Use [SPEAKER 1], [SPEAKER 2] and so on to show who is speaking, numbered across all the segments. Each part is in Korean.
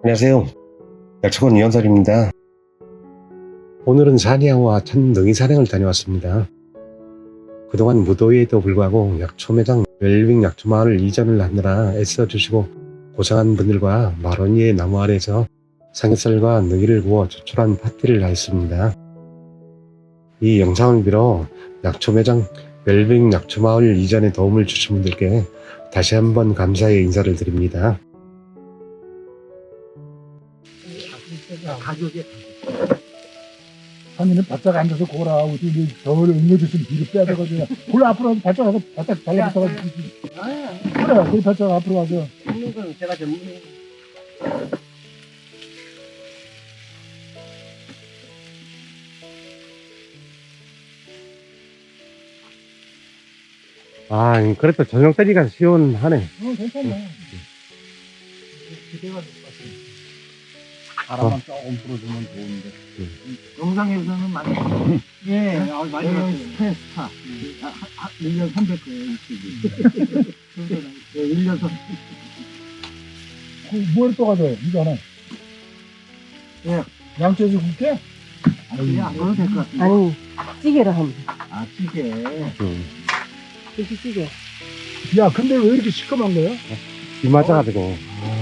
[SPEAKER 1] 안녕하세요. 약초원 이현설입니다. 오늘은 산야와 천능이 산행을 다녀왔습니다. 그동안 무더위에도 불구하고 약초 매장 웰빙 약초 마을 이전을 하느라 애써주시고 고생한 분들과 마로니의 나무 아래에서 삼겹살과 능이를 구워 조촐한 파티를 하였습니다. 이 영상을 빌어 약초 매장 웰빙 약초 마을 이전에 도움을 주신 분들께 다시 한번 감사의 인사를 드립니다.
[SPEAKER 2] 가격에 아니는 바짝 앉아서 고라고 우리 저를 응어주신 뒤로 빼다가지고 골 앞으로 가서 바짝 가서 바짝 달라붙어가지고 그래 거기 바짝 앞으로 가서
[SPEAKER 3] 먹는 건 제가 전문이에요.
[SPEAKER 1] 그래도 저녁 때니까 시원하네.
[SPEAKER 2] 괜찮아 기대가 됐어 바람만 조금 불어주면 좋은데
[SPEAKER 3] 영상에서는 많이 예, 많이 봤어요. 스타 1년 300거예요, 일주일에. 1년 300.
[SPEAKER 2] 뭘 또 가져요 이거 하나
[SPEAKER 3] 예.
[SPEAKER 2] 양쪽에서 굵게?
[SPEAKER 3] 그냥 안 넣어도 될 것 같은데.
[SPEAKER 4] 아니, 찌개를 하면
[SPEAKER 3] 아, 찌개.
[SPEAKER 4] 돼지찌개.
[SPEAKER 2] 야 근데 왜 이렇게 시커먼 거야?
[SPEAKER 1] 비 맞아가지고.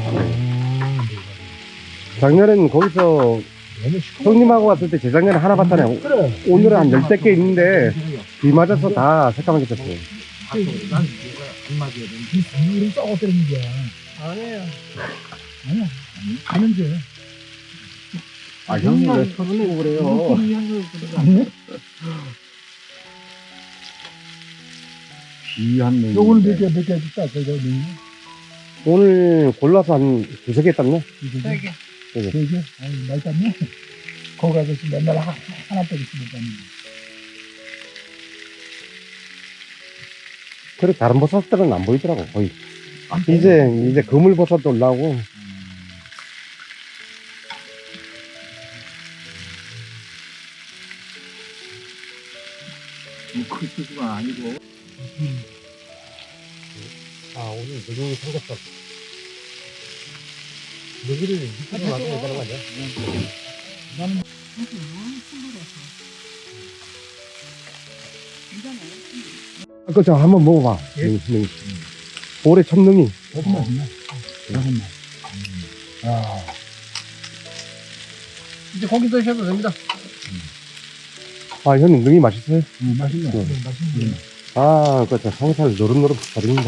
[SPEAKER 1] 작년엔 거기서
[SPEAKER 2] 너무 시커먼
[SPEAKER 1] 형님하고 왔을 때 재작년에 하나 봤다네.
[SPEAKER 2] 그래
[SPEAKER 1] 오늘은 한 10개 있는데 비 맞아서 다 새까맣게 됐어.
[SPEAKER 2] 난 이거가 안 맞아야 돼. 이 비율은 썩어뜨리는 거야.
[SPEAKER 3] 아니에요.
[SPEAKER 2] 아니야. 하는 게.
[SPEAKER 3] 아, 형님 왜 서두르고 그래요?
[SPEAKER 2] 아니?
[SPEAKER 3] 귀한 놈.
[SPEAKER 2] 요거는 몇 개 해줄까? 저거
[SPEAKER 1] 오늘 골라서 한 2-3개 땄네.
[SPEAKER 3] 세 개.
[SPEAKER 2] 세 개? 아이, 많이 땄네. 거기 가서 맨날 하나 빼기 쓰니까.
[SPEAKER 1] 그래, 다른 버섯들은 안 보이더라고, 거의. 이제 그물버섯도 올라오고.
[SPEAKER 3] 그 수가 아니고.
[SPEAKER 1] 오늘 누구 삼겹살. 누구를 밑으로 놔둬야 되는 거 아니야?
[SPEAKER 2] 나는
[SPEAKER 1] 그거 한번 먹어봐.
[SPEAKER 2] 예?
[SPEAKER 1] 올해 첫 능이.
[SPEAKER 2] 조금 맛있네. 조금만. 아.
[SPEAKER 3] 이제 고기 드셔도 됩니다.
[SPEAKER 1] 형님, 능이 맛있어요?
[SPEAKER 2] 맛있네.
[SPEAKER 1] 네.
[SPEAKER 2] 맛있네.
[SPEAKER 1] 그렇죠. 성살 노릇노릇 버립니다.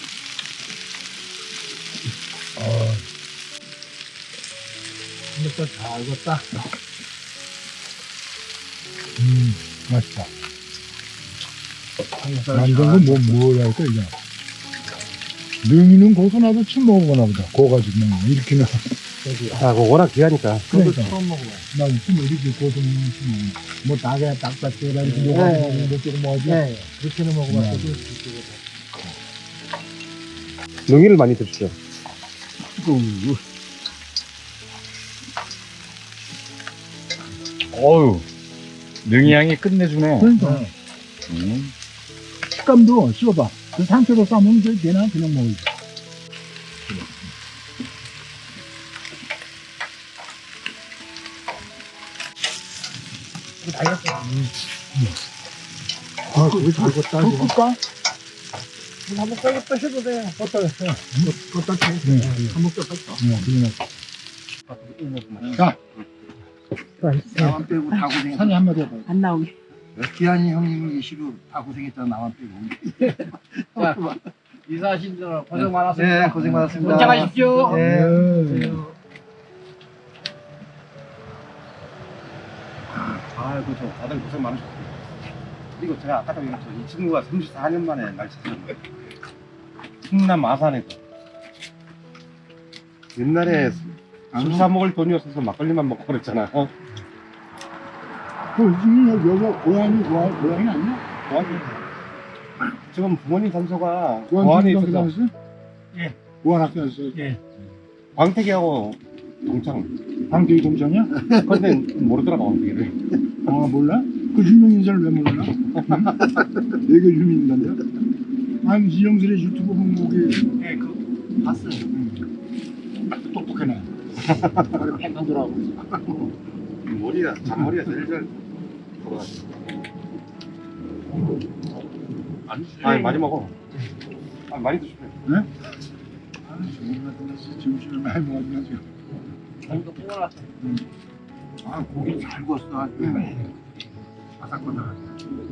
[SPEAKER 2] 삼겹살 잘 익었다. 맛있다. 완전 뭘 할까, 이거. 능이는 고소나도 침 먹어보나 보다. 고가지고 이렇게는.
[SPEAKER 1] 그거 워낙 귀하니까.
[SPEAKER 2] 그러니까.
[SPEAKER 3] 처음 먹어봐요.
[SPEAKER 2] 난 침 이렇게 고소는 침 먹어. 뭐 닭에 닭다리라 이렇게
[SPEAKER 3] 네.
[SPEAKER 2] 먹어보고 몇 개를 먹어야지.
[SPEAKER 3] 네.
[SPEAKER 2] 그렇게는 먹어봤어도.
[SPEAKER 1] 능이를 많이 드시죠.
[SPEAKER 5] 어유 능이향이 끝내주네.
[SPEAKER 2] 그러니까. 식감도 씹어봐. 그 상추로 싸면 되나? 그냥 먹어야지. 그게 잘 익었다. 꿀까?
[SPEAKER 3] 한번 써서 드셔도 돼요.
[SPEAKER 2] 껐다 했어.
[SPEAKER 3] 껐다 해.
[SPEAKER 2] 네.
[SPEAKER 3] 한번 써서.
[SPEAKER 2] 그러네. 자,
[SPEAKER 3] 나만 빼고 다 고생했다.
[SPEAKER 2] 산이 한마디 해봐.
[SPEAKER 4] 안 나오게.
[SPEAKER 3] 기한이 형님이 계시고 다 고생했잖아. 나만 빼고. 자, 이사하신들 고생 많았습니다. 네, 고생 많았습니다. 건강하십시오.
[SPEAKER 2] 네.
[SPEAKER 1] 아이고, 다들 고생 많으셨어요. 그리고 제가 아까도 얘기했죠. 이 친구가 34년 만에 날 찾았는데. 충남 아산에서. 옛날에 술 사 먹을 돈이 없어서 막걸리만 먹고 그랬잖아.
[SPEAKER 2] 여기가 고향이 아니야?
[SPEAKER 1] 지금 부모님 산소가
[SPEAKER 2] 고향
[SPEAKER 1] 고안에
[SPEAKER 2] 학교
[SPEAKER 1] 있어서
[SPEAKER 2] 다녔어요?
[SPEAKER 3] 예.
[SPEAKER 2] 고향 학교 다녔어요?
[SPEAKER 3] 예.
[SPEAKER 1] 광택이하고 동창.
[SPEAKER 2] 방태기 공장이야?
[SPEAKER 1] 근데 모르더라고, 광택이를.
[SPEAKER 2] 아 몰라? 그 유명 인사를 왜 몰라? 응? 내가 유명 인사인데? 아니 이영슬의 유튜브 보면 거기
[SPEAKER 3] 네, 그 봤어요.
[SPEAKER 2] 똑똑하네. 머리 팽팽 돌아오고
[SPEAKER 1] 머리가 잔머리가 제일 잘 돌아가지. 아니 많이 먹어. 아니 많이 드시네.
[SPEAKER 2] 네? 점심을 많이 먹어가지고
[SPEAKER 3] 이거 뽑아놨어.
[SPEAKER 2] 아 고기 잘 구웠어 아주 바삭바삭하게.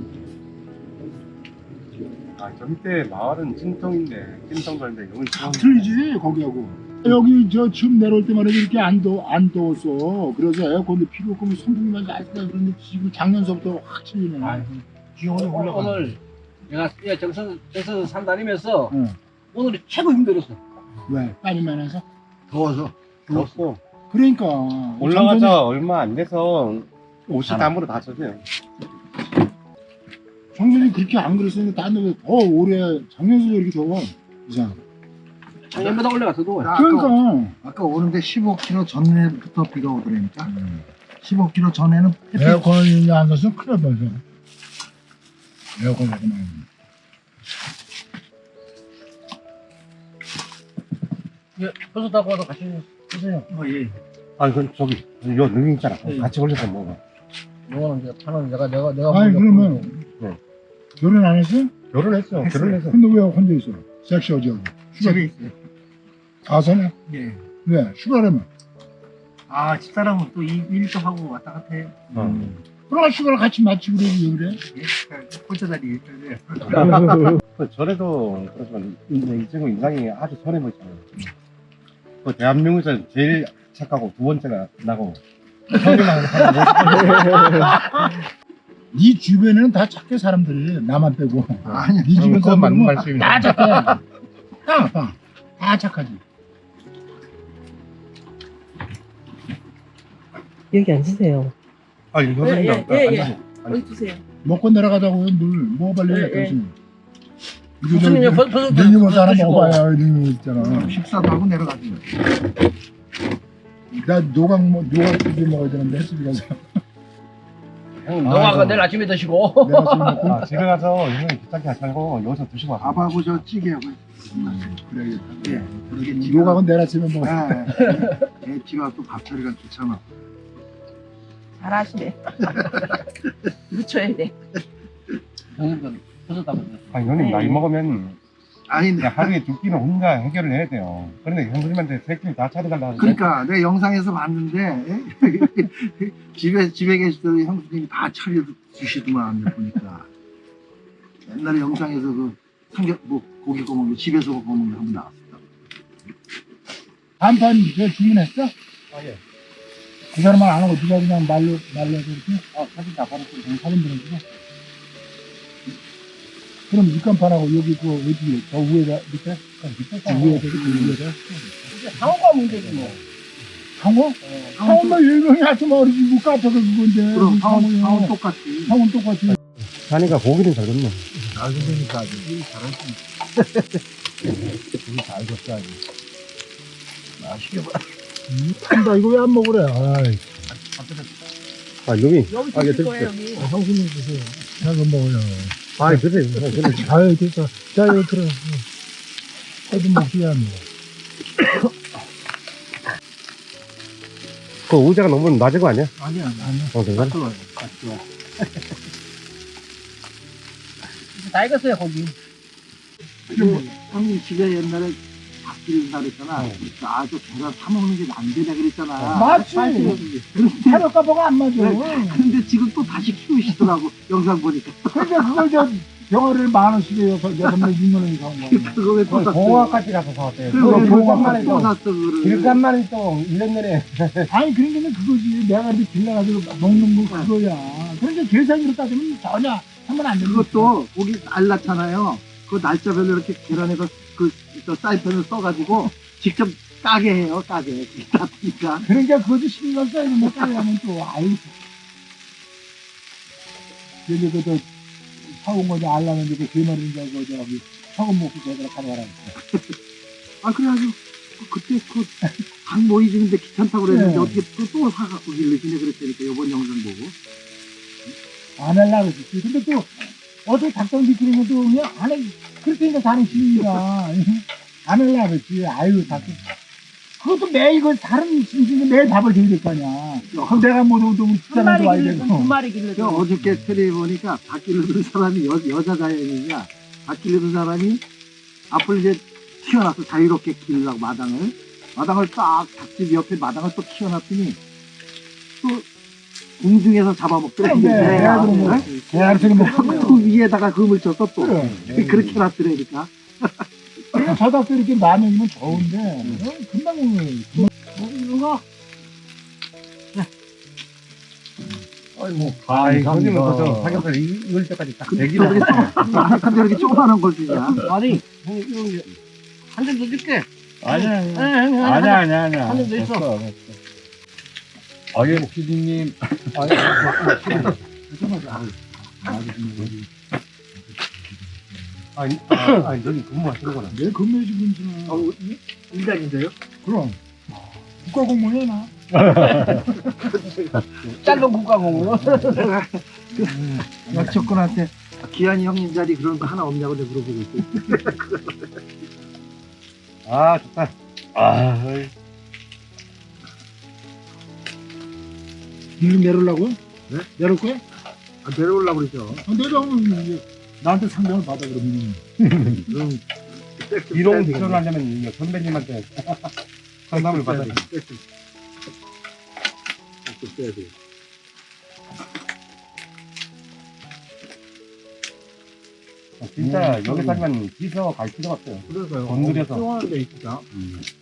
[SPEAKER 1] 아저 밑에 마을은 찐통인데 찐통가인데 여기
[SPEAKER 2] 다 틀리지 거기하고. 여기 저 지금 내려올 때만 해도 이렇게 안 더웠어. 그래서 에어컨도 필요 없고 선풍기만 잘 쓰다 그런데 지금 작년서부터 확 틀리네. 기온이 올라가.
[SPEAKER 3] 오늘 내가 정선 산 다니면서
[SPEAKER 2] 응.
[SPEAKER 3] 오늘이 최고 힘들었어.
[SPEAKER 2] 왜? 땀이 해서? 더워서.
[SPEAKER 1] 덥고
[SPEAKER 2] 그러니까
[SPEAKER 1] 올라가자 얼마 안 돼서 옷이 땀으로 다 젖어요.
[SPEAKER 2] 정선이 그렇게 안 그랬었는데 딴 데보다 더 오래 작년서도 이렇게 더워. 이상.
[SPEAKER 3] 작년보다 올라가서 더워.
[SPEAKER 2] 그러니까
[SPEAKER 4] 아까 오는데 15km 전에부터 비가 오더라니까. 15km 전에는 햇빛
[SPEAKER 2] 에어컨이 안 썼으면 큰일 날 뻔했어. 에어컨 자꾸만.
[SPEAKER 3] 버스 타고 와서 같이 드세요.
[SPEAKER 4] 예.
[SPEAKER 1] 아니 그 저기 요 능이 있잖아. 같이 올려서 먹어.
[SPEAKER 3] 이거는 이제 파는 내가
[SPEAKER 2] 아니
[SPEAKER 3] 먼저
[SPEAKER 2] 그러면
[SPEAKER 1] 네.
[SPEAKER 2] 결혼 안 했어?
[SPEAKER 1] 결혼했어. 결혼해서.
[SPEAKER 2] 근데 왜 혼자 있어? 섹시 어디하고?
[SPEAKER 4] 집에 있어요.
[SPEAKER 2] 가서네?
[SPEAKER 4] 예.
[SPEAKER 2] 왜? 휴가라면?
[SPEAKER 4] 아 집사람은 또 일도 하고 왔다 갔다 해요.
[SPEAKER 2] 그럼 휴가를 같이 맞지 그래 왜 그래?
[SPEAKER 4] 예. 혼자 다니기 때문에.
[SPEAKER 1] 그 전에도 그렇지만 이 친구 인상이 아주 선해 보이잖아요. 그 대한민국에서 제일 착하고 두 번째가 나고 처음이랑
[SPEAKER 2] 네 주변에는 다 착해 사람들이 나만 빼고.
[SPEAKER 4] 아니
[SPEAKER 2] 네 주변
[SPEAKER 1] 그건 맞는
[SPEAKER 2] 사람들은
[SPEAKER 1] 말씀입니다.
[SPEAKER 2] 다 착해. 다 착하지.
[SPEAKER 6] 여기 앉으세요.
[SPEAKER 1] 아니 선생님
[SPEAKER 6] 여기 주세요.
[SPEAKER 2] 먹고 내려가자고요 물. 뭐 빨리 해
[SPEAKER 6] 예, 예.
[SPEAKER 2] 당신.
[SPEAKER 3] 무슨 이제 버스
[SPEAKER 2] 능이 먼저 하나 먹어봐야 능이 있잖아.
[SPEAKER 4] 식사도 하고 내려가지.
[SPEAKER 2] 나 노각집에 먹어야 되는데 햇집에 가서.
[SPEAKER 3] 형 너가 내일 아침에 드시고.
[SPEAKER 2] 내가 지금 먹고
[SPEAKER 1] 아, 집에 가서 이번에 귀찮게 하지 말고 여기서 드시고 와서.
[SPEAKER 4] 밥하고 저 찌개하고.
[SPEAKER 2] 그래야겠다.
[SPEAKER 4] 예. 그러게 찌개.
[SPEAKER 2] 노각은 내일 아침에 먹어.
[SPEAKER 4] 예. 찌개가 또 밥처리가 좋잖아.
[SPEAKER 6] 잘하시네. 묻혀야 돼.
[SPEAKER 3] 형님도 버스 타고 있어.
[SPEAKER 1] 아니 형님 나이 먹으면
[SPEAKER 4] 아니
[SPEAKER 1] 그냥 하루에 두 끼는 혼자 해결을 해야 돼요. 그런데 형님한테 세 끼를 다 차려달라 하는데
[SPEAKER 4] 그러니까 내 영상에서 봤는데 집에 계시던 형수님이 다 차려 주시더만 보니까 옛날에 영상에서 그 삼겹 뭐 고기 구워 먹는 거 집에서 구워 먹는 거 한번 나왔었다.
[SPEAKER 2] 반판 저 주문했어?
[SPEAKER 3] 아, 예.
[SPEAKER 2] 그 사람은 안 하고 누가 그냥 말려서 이렇게? 사진 다 받았고 사진 들어주고. 그럼 육간판하고 여기 그 어디 저 위에다 밑에? 위에다 그 위에다.
[SPEAKER 6] 이제 상호가 문제지 뭐.
[SPEAKER 2] 상어? 상어만 일명이 아주 어리지 뭐 카페가 그건데.
[SPEAKER 4] 그럼
[SPEAKER 2] 상어는
[SPEAKER 4] 상은 똑같이.
[SPEAKER 2] 상어는 똑같이.
[SPEAKER 1] 사니까 고기는 잘 굽네.
[SPEAKER 2] 잘 되니까 아주 잘하지. 고기 잘 줬어 아주.
[SPEAKER 4] 맛있게 봐.
[SPEAKER 2] 탄다 이거 왜 안 먹으래? 아이.
[SPEAKER 1] 아 여기
[SPEAKER 6] 여기
[SPEAKER 1] 아, 예,
[SPEAKER 6] 드실 거예요 여기.
[SPEAKER 2] 형수님 드세요. 내가 먹어요.
[SPEAKER 1] 아 드세요.
[SPEAKER 2] 아유 됐어. 자 여기 들어. 해도 먹지 않네.
[SPEAKER 1] 그 의자가 너무 낮은 거 아니야?
[SPEAKER 4] 아니야.
[SPEAKER 1] 괜찮아?
[SPEAKER 4] 좋아요.
[SPEAKER 3] 다 익었어요 고기.
[SPEAKER 4] 형님 집에 옛날에 밥 기른다 그랬잖아. 아저 계란 사 먹는 게 안 되냐 그랬잖아.
[SPEAKER 2] 맞지.
[SPEAKER 4] 그런데,
[SPEAKER 2] 사료가 뭐가 안 맞아.
[SPEAKER 4] 근데 지금 또 다시 키우시더라고. 영상 보니까.
[SPEAKER 2] 근데 그걸 저 병어를 10,000원씩에 6명 6,000원이 사온 거야.
[SPEAKER 4] 그거 왜 또 샀어?
[SPEAKER 1] 공화까지 가서 사왔대요.
[SPEAKER 4] 그거 왜
[SPEAKER 1] 교감만에
[SPEAKER 4] 또 샀어 그거를.
[SPEAKER 1] 길감만이 또 1년 내내
[SPEAKER 2] 아니 그러니까 그거지. 내가 이렇게 길러가지고 먹는 거 그거야. 그러니까 계산으로 따지면 전혀 하면 안 되는
[SPEAKER 4] 그것도 고기 날 낳잖아요. 그 날짜별로 이렇게 계란에서 저 사이펜을 써가지고 직접 까게 해요. 까게. 그게 나쁘니까.
[SPEAKER 2] 그러니까 그것도 신경 써야 되는데 따려면 또 아유. 여기 그저 사온 거지 알라면 이제 그 마리인 줄 알고 저기 처음 먹고 제대로 가져가라 했어.
[SPEAKER 4] 아 그래가지고 그때 닭 모이지는데 귀찮다고 그랬는데
[SPEAKER 2] 네.
[SPEAKER 4] 어떻게 또 사갖고 길르시네 그랬다니까 이번 영상 보고.
[SPEAKER 2] 안 하려고 그랬지. 근데 또 어떻게 닭똥 비키는 것도 그냥 안 해. 그렇게 생각 다는 시민이가 안 하려고 그랬지. 아유 닭 그것도 매일 그 다른 심신이 매일 밥을 드려야 될 거 아니야. 그럼 내가 못 오면 또 우리
[SPEAKER 6] 한
[SPEAKER 2] 집사람도
[SPEAKER 6] 마리
[SPEAKER 2] 와야
[SPEAKER 6] 길러든
[SPEAKER 2] 되고.
[SPEAKER 6] 두 마리 길러든.
[SPEAKER 4] 저 어저께 테레비 보니까 닭 기르던 사람이 여자 자연이냐 닭 기르던 사람이 앞을 이제 튀어놨어 자유롭게 기르려고 마당을 딱 닭집 옆에 마당을 또 키워놨더니 또 공중에서 잡아먹더래 이게
[SPEAKER 2] 그래,
[SPEAKER 4] 개가.
[SPEAKER 2] 그럼 뭐,
[SPEAKER 4] 네?
[SPEAKER 2] 개알새는 뭐
[SPEAKER 4] 그 위에다가 금을 쳤어 또
[SPEAKER 2] 그래.
[SPEAKER 4] 그렇게 놨더라니까.
[SPEAKER 2] 그러니까 저 닭도 이렇게 많으면 좋은데 금방
[SPEAKER 6] 이거
[SPEAKER 1] 아이, 손님은 벌써 삼겹살 익을 때까지 딱
[SPEAKER 4] 근데
[SPEAKER 1] 대기를
[SPEAKER 4] 저렇게 근데 이렇게 조그만한 걸 주냐.
[SPEAKER 3] 아니, 한 점 더 줄게.
[SPEAKER 5] 아니야,
[SPEAKER 3] 응,
[SPEAKER 5] 아니야.
[SPEAKER 3] 한점더 있어.
[SPEAKER 5] 아예 PD님.
[SPEAKER 1] 아니, 여기 근무하시는 거라.
[SPEAKER 2] 내 근무해 주고 있잖아.
[SPEAKER 4] 일단인데요?
[SPEAKER 2] 그럼 국가공무원이야 나.
[SPEAKER 3] 짧은 국가공으로.
[SPEAKER 4] 약초꾼한테 기한이 형님 자리 그런 거 하나 없냐고 내가 물어보고 있어.
[SPEAKER 1] 아, 좋다.
[SPEAKER 2] 일 내려려고? 네? 내릴 거야?
[SPEAKER 4] 내려오려고 그러죠.
[SPEAKER 2] 내려오면 이제 나한테 상담을 받아 그러면.
[SPEAKER 4] 그럼
[SPEAKER 1] 이런 표현을 하려면 이제 선배님한테 상담을 받아야 돼.
[SPEAKER 4] 써야 돼.
[SPEAKER 1] 진짜 여기까지만 비서 갈 필요가 없어요.
[SPEAKER 4] 그래서요.
[SPEAKER 1] 건드려서.
[SPEAKER 4] 그래 있다.